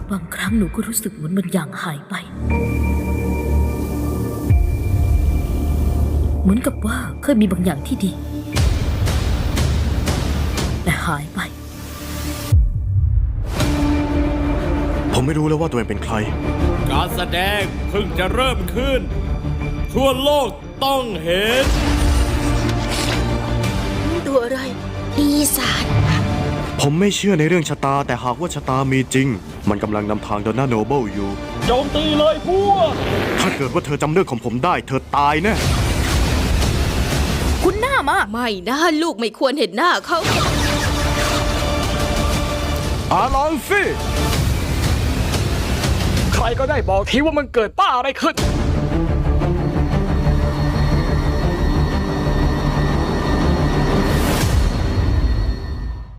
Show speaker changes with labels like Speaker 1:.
Speaker 1: บางครั้งหนูก็รู้สึกเหมือนบางอย่างหายไปเหมือนกับว่าเคยมีบางอย่างที่ดีแต่หายไป
Speaker 2: ผมไม่รู้แล้วว่าตัวเองเป็นใคร
Speaker 3: การแสดงเพิ่งจะเริ่มขึ้นทั่วโลกต้องเห็น
Speaker 4: ตัวอะไรปีศาจ
Speaker 2: ผมไม่เชื่อในเรื่องชะตาแต่หากว่าชะตามีจริงมันกำลังนำทางดอนน่าโนเบิลอยู่
Speaker 3: โจมตีเลยพวก
Speaker 2: ถ้าเกิดว่าเธอจำเรื่องของผมได้เธอตายแน่
Speaker 1: คุณหน้ามา
Speaker 4: ไม่นะลูกไม่ควรเห็นหน้าเขา
Speaker 2: อาลอนฟี่
Speaker 5: ใครก็ได้บอกทีว่ามันเกิดป้าอะไรขึ้น